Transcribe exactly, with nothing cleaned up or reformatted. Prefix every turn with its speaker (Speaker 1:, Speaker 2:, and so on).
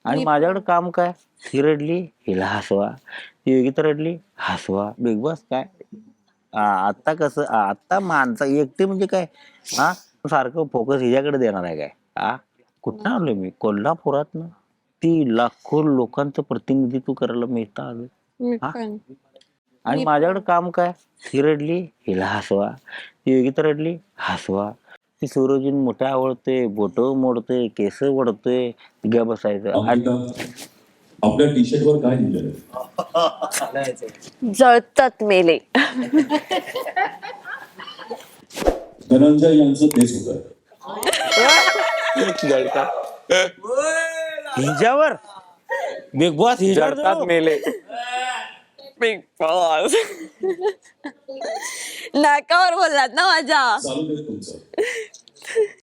Speaker 1: आणि माझ्याकडे काम काय, ही रडली हिला हसवा, ती योगिता रडली हसवा. बिग बॉस काय आता कसं आता माणसा एकटे म्हणजे काय हा सारखं फोकस हिच्याकडे देणार आहे काय हा. कुठं आलोय मी कोल्हापुरात ना, ती लाखो लोकांचं प्रतिनिधित्व करायला मी इथं आलोय हा. आणि माझ्याकडे काम काय, ही रडली हिला हसवा, ती योगिता रडली हसवा, ती सूरजून मोठ्या आवडते, बोट मोडते, केस वडतोय, ग बसायचं.
Speaker 2: आपल्या टी शर्ट वर काय लिहिलं,
Speaker 3: जळतात मेले.
Speaker 2: धनंजय यांचं तेच होतं.
Speaker 1: हिच्यावर बिग बॉस हिच्यावर
Speaker 4: मेले.
Speaker 3: बिग बॉस नाकावर बोललात ना माझ्या.
Speaker 2: चालू दे तुमचं.